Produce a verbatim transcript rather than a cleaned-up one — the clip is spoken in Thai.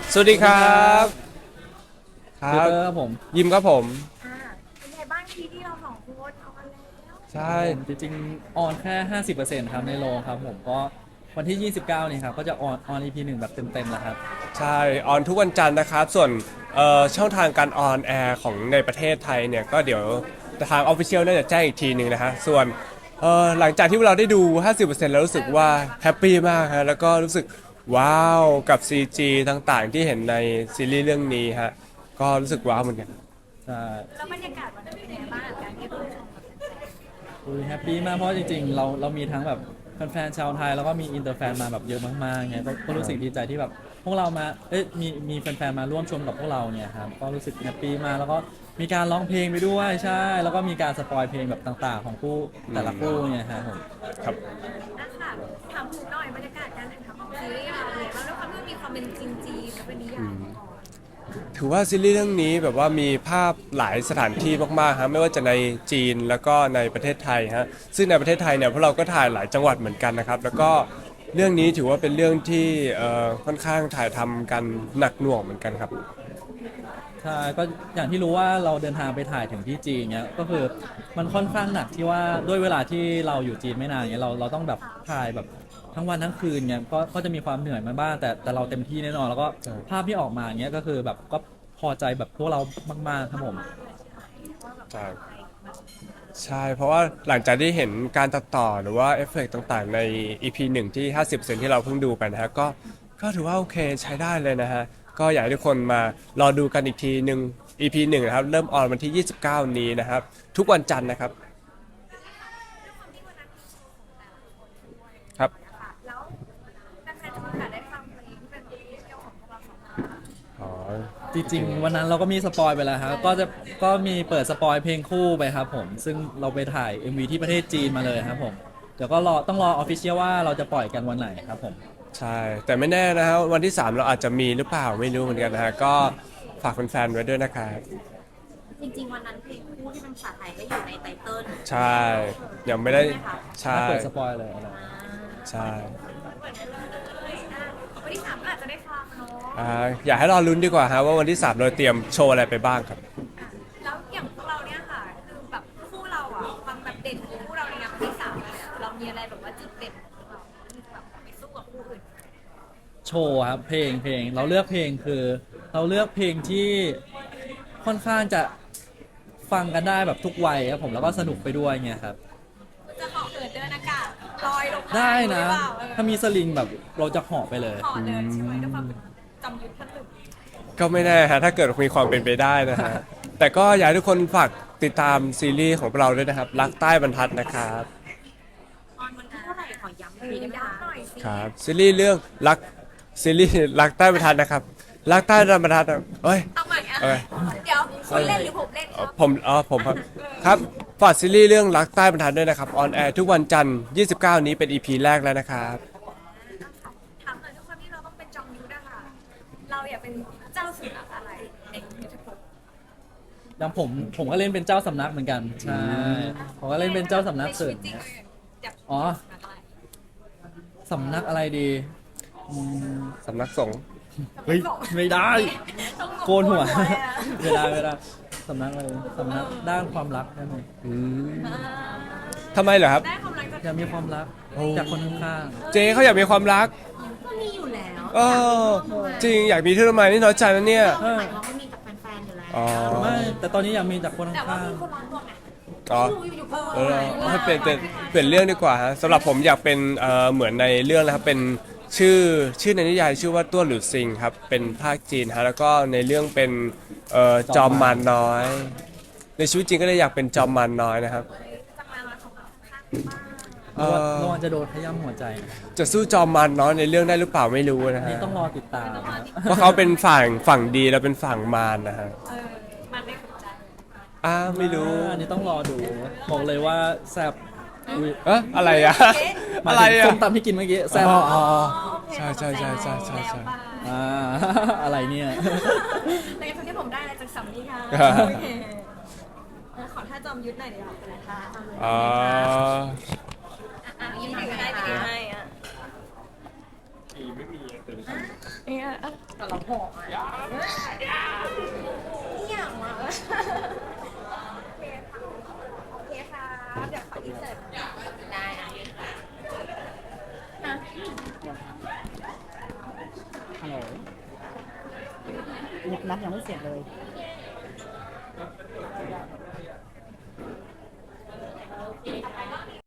สวัสดีครับครัเปบเปอร์ครับผมยิมครับผมอ่าเป็นไงบ้างทีที่เราสองคนเอากันแล้วใช่จริงๆออนแค่ห้าสิบเปอร์เซ็นต์ครับในโรงครับผมก็วันที่ยี่สิบเก้านี่ครับก็จะออนออน อี พี หนึ่งแบบเต็มๆแล้วครับใช่ออนทุกวันจันทร์นะครับส่วนเอ่อช่องทางการออนแอร์ของในประเทศไทยเนี่ยก็เดี๋ยวทางออฟฟิเชียลน่าจะแจ้งอีกทีหนึ่งนะฮะส่วนเอ่อหลังจากที่เราได้ดู ห้าสิบเปอร์เซ็นต์ แล้วรู้สึกว่าแฮปปี้มากฮะแล้วก็รู้สึกว้าวกับ ซี จี ต่างๆที่เห็นในซีรีส์เรื่องนี้ฮะก็รู้สึกว้าวเหมือนกันใช่แล้วบรรยากาศวันนั้นเป็นไงบ้างกับการที่เราชมกับแฟนอุ้ยแฮปปี้มากเพราะจริงๆเราเรามีทั้งแบบแฟนๆชาวไทยแล้วก็มีอินเตอร์แฟนมาแบบเยอะมากๆไงก็ก็รู้สึกดีใจที่แบบพวกเรามาเอ้ยมีมีแฟนๆมาร่วมชมกับพวกเราเนี่ยครับก็รู้สึกแฮปปี้มากแล้วก็มีการร้องเพลงไปด้วยใช่แล้วก็มีการสปอยเพลงแบบต่างๆของคู่แต่ละคู่เนี่ยครับผมครับๆนะคะถามถึงหน่อยบรรยากาศการถ่ายทำของซีรีส์เราเลยว่าด้วยความที่มันมีความเป็นจริงจีนและเป็นนิยายมาก่อนถือว่าซีรีส์เรื่องนี้แบบว่ามีภาพหลายสถานที่มากๆฮะไม่ว่าจะในจีนแล้วก็ในประเทศไทยฮะซึ่งในประเทศไทยเนี่ยพวกเราก็ถ่ายหลายจังหวัดเหมือนกันนะครับแล้วก็เรื่องนี้ถือว่าเป็นเรื่องที่เอ่อค่อนข้างถ่ายทำกันหนักหน่วงเหมือนกันครับใช่ก็อย่างที่รู้ว่าเราเดินทางไปถ่ายถึงที่จีนเนี้ยก็คือมันค่อนข้างหนักที่ว่าด้วยเวลาที่เราอยู่จีนไม่นานเนี้ยเราเราต้องแบบถ่ายแบบทั้งวันทั้งคืนเนี้ยก็ก็จะมีความเหนื่อยมาบ้างแต่แต่เราเต็มที่แน่นอนแล้วก็ใช่ภาพที่ออกมาเนี้ยก็คือแบบก็พอใจแบบพวกเรามากๆครับผมใช่ใช่เพราะว่าหลังจากที่เห็นการตัดต่อหรือว่าเอฟเฟกต์ต่างๆใน อี พี หนึ่งที่ห้าสิบเปอร์เซ็นต์ที่เราเพิ่งดูไปนะฮะก็ก็ถือว่าโอเคใช้ได้เลยนะฮะก็อยากให้ทุกคนมารอดูกันอีกทีหนึ่ง อี พี หนึ่งนะครับเริ่มออนวันที่ยี่สิบเก้านี้นะครับทุกวันจันทร์นะครับครับนะคะแล้วแฟนๆจะมีโอกาสได้ฟังเพลงที่เป็นเพลงเที่ยวของพวกเราสองคนอ๋อจริงๆวันนั้นเราก็มีสปอยไปแล้วครับก็จะก็มีเปิดสปอยเพลงคู่ไปครับผมซึ่งเราไปถ่าย เอ็ม วี ที่ประเทศจีนมาเลยครับผมเดี๋ยวก็รอต้องรอออฟฟิเชียลว่าเราจะปล่อยกันวันไหนครับผมใช่แต่ไม่แน่นะฮะวันที่สามเราอาจจะมีหรือเปล่าไม่รู้เหมือนกันนะฮะก็ฝากแฟนๆไว้ด้วยนะครับจริงๆวันนั้นเพลงคู่ที่เป็นภาษาไทยก็อยู่ในไตเติ้ลใช่ยังไม่ได้ใช่ถ้าเปิดสปอยเลยนะใช่วันที่สามก็อาจจะได้ฟังเนาะอ่าอยากให้รอลุ้นดีกว่าฮะว่าวันที่สามเราเตรียมโชว์อะไรไปบ้างครับแล้วอย่างพวกเราเนี่ยค่ะคือแบบคู่เราอ่ะความแบบเด่นของคู่เราในงานวันที่สามเนี่ยเรามีอะไรแบบว่าจุดเด่นของเราที่แบบไปสู้กับคู่อื่นโชว์ครับเพลงเพลงเราเลือกเพลงคือ เราเลือกเพลงที่ค่อนข้างจะฟังกันได้แบบทุกวัยครับผมแล้วก็สนุกไปด้วยเงี้ยครับจะเหาะเหินเดินอากาศลอยลงมาได้นะหรือเปล่าเออถ้ามีสลิงแบบเราจะเหาะไปเลยเหาะเดินใช่ไหมด้วยความเป็นจำยุทธท่านหนึ่งก็ไม่แน่ฮะถ้าเกิดมีความเป็นไปได้นะฮะแต่ก็อยากให้ทุกคนฝากติดตามซีรีส์ของเราด้วยนะครับรักใต้บรรทัดนะครับออนวันที่เท่าไหร่ขอย้ำอีกทีได้ไหมคะหน่อยสิครับซีรีส์เรื่องรักซีรีส์รักใต้บรรทัดนะครับรักใต้บรรทัดอะเอ้ยเอาใหม่อ่ะเอ้ยเดี๋ยวคุณเล่นหรือผมเล่นคเอ่อรับผมอ๋อผมครับครับฝากซีรีส์เรื่องรักใต้บรรทัดด้วยนะครับออนแอร์ทุกวันจันทร์ยี่สิบเก้านี้เป็น อี พี แรกแล้วนะครับถามหน่อยทุกคนที่เราต้องเป็นจอมยุทธนะคะเราอยากเป็นเจ้าสุนัขอะไรในยุทธภพอย่างผมผมก็เล่นเป็นเจ้าสำนักเหมือนกันใช่ผมก็เล่นเป็นเจ้าสำนักเสริมในชีวิตจริงเนี่ยอยากอ๋อสำนักอะไรสำนักอะไรดีอืมสำนักสงฆ์เฮ้ยไม่ได้ต้องโกนหัวอะไม่ได้ไม่ได้สำนักอะไรสำนักด้านความรักได้ไหมอืมอ่าทำไมเหรอครับได้ความรักจากอยากมีความรักโอ้จากคนข้างเจเขาอยากมีความรักก็มีอยู่แล้วเออจริงอยากมีที่ทำไมนี่น้อยใจนะเนี่ยหมายความว่ามีกับแฟนๆอยู่แล้วอ๋อๆไม่แต่ตอนนี้อยากมีจากคนแต่ว่าข้างมีคนรักหมดไงอ๋อดูอยู่ๆก็เออให้เปลี่ยนเปลี่ยนเปลี่ยนเรื่องดีกว่าฮะสำหรับผมอยากเป็นเอ่อเหมือนในเรื่องนะครับเป็นชื่อชื่อในนิยายชื่อว่าต้วนหรือซิงครับเป็นภาคจีนฮะแล้วก็ในเรื่องเป็นเอ่อจอมมารน้อย ในชีวิตจริงก็เลยอยากเป็นจอมมารน้อยนะครับจะมามาของเราข้างๆเอๆระวังอระวังจะโดนขย้ำหัวใจนะจะสู้จอมมารน้อยในเรื่องได้หรือเปล่าไม่รู้นะนี่ฮะต้องรอติดตามนะเพราะเขาเป็นฝั่งฝั่งดีแล้วเป็นฝั่งมารนะฮะเออมันได้หัวใจอ้าไม่รู้อันนี้ต้องรอดูบอกเลยว่าแซ่บอุ๊ยเอะอะไรอะหมาอะยไรถึงอะส้มตำที่กินเมื่อกี้แซ่บอ๋ออ๋อโอเคใช่ใช่ใช่ใช่ใช่ใช่อ่า อะไรเนี่ยแต่ทุกที่ผมได้อะไรจากสามีค่ะครับโอเคเออขอท่าจอมยุทธหน่อยดีกว่าค่ะอ๋ออ่ะยิ้มหน่อยก็ได้จะได้ให้อ่ะไม่มีเนี่ยแต่เราหอกอ่ะนี่อย่างมาโอเคค่ะโอเคค่ะเดี๋ยวขออินเสิร์ตได้อ่ะฮะฮัลโหลยังนัดยังไม่เสร็จเลย